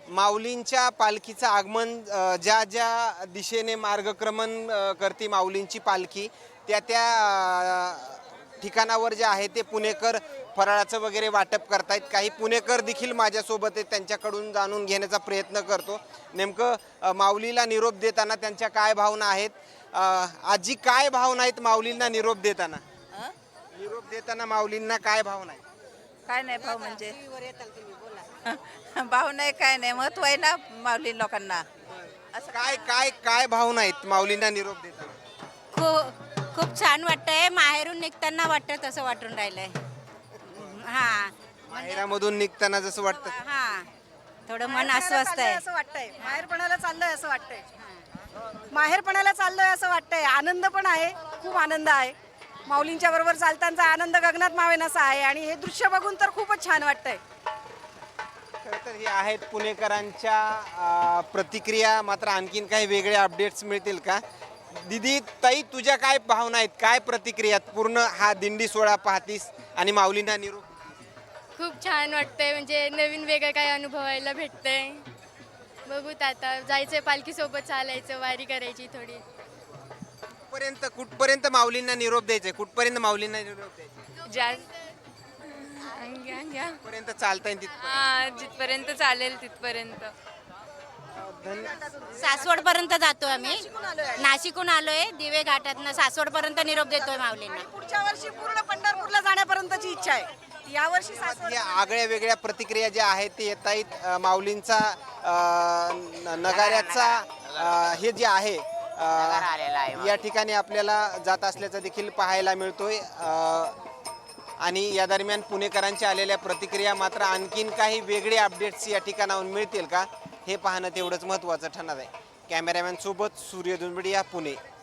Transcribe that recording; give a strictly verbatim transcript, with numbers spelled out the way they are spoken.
माऊलींच्या पालखीचं आगमन अ, ज्या ज्या दिशेने मार्गक्रमण अ, करते माऊलींची पालखी त्या त्या अ, ठिकाणावर जे आहे ते पुणेकर फराळाचं वगैरे वाटप करतायत. काही पुणेकर देखील माझ्यासोबत आहेत, त्यांच्याकडून जाणून घेण्याचा प्रयत्न करतो. नेमकं अ, माऊलीला निरोप देताना त्यांच्या काय भावना आहेत. अ, आजी काय भावना आहेत माऊलींना निरोप देताना? अं? निरोप देताना माऊलींना काय भावना आहेत? काय नाही भाव म्हणजे भाव नाही काय नाही महत्व आहे ना माऊली लोकांना. असं काय काय काय भावना आहेत माऊलींना निरोप देताना? खूप खूप छान वाटतंय. माहेरून निघताना वाटत तसं वाटून राहिलंय. हा माहेरामधून निघताना जसं वाटतं. हा थोडं मन माहेरपणाला अस्वस्थ चाललोय आहे. असं वाटतंय माहेरपणाला चाललोय असं वाटतंय माहेरपणाला चाललोय असं वाटतंय. आनंद पण आहे, खूप आनंद आहे. माऊलींच्या बरोबर चालताना आनंद गगनात मावेनासा आहे आणि हे दृश्य बघून तर खूपच छान वाटतंय. खरं तर हे आहेत पुणेकरांच्या अ, प्रतिक्रिया. मात्र आणखीन काही वेगळे अपडेट्स मिळतील का? दिदी ताई, तुझ्या काय भावना आहेत, काय प्रतिक्रिया आहेत? पूर्ण हा दिंडी सोहळा पाहतीस आणि माऊलींना निरोप खूप छान वाटतंय. म्हणजे नवीन वेगळं काय अनुभवायला भेटतंय. बघूत आता जायचंय पालखीसोबत, चालायचं, वारी करायची थोडी. कुठपर्यंत कुठपर्यंत माऊलींना निरोप द्यायचे? कुठपर्यंत माऊलींना निरोप द्यायचे? ज्या घ्या घ्या कुठपर्यंत चालता येईल तिथपर्यंत? हा जिथपर्यंत चालेल तिथपर्यंत. सासवड पर्यंत जातो आम्ही. नाशिकहून आलोय. दिवे घाटातनं सासवड पर्यंत निरोप देतोय माऊलींना. पुढच्या वर्षी पूर्ण पंढरपूरला जाण्यापर्यंतची इच्छा आहे. यावर्षी सासवड या आगळ्या वेगळ्या प्रतिक्रिया ज्या आहेत ते येत आहेत. अ, माऊलींचा अ, न- नगाऱ्याचा अ, हे जे आहे अ, या ठिकाणी आपल्याला जात असल्याचं देखील पाहायला मिळतोय. अ, आणि या दरम्यान पुणेकरांच्या आलेल्या प्रतिक्रिया. मात्र आणखीन काही वेगळे अपडेट्स या ठिकाणाहून मिळतील का हे पाहणं तेवढंच महत्त्वाचं ठरणार आहे. कॅमेरामॅन सोबत सूर्य दुंबडिया, पुणे.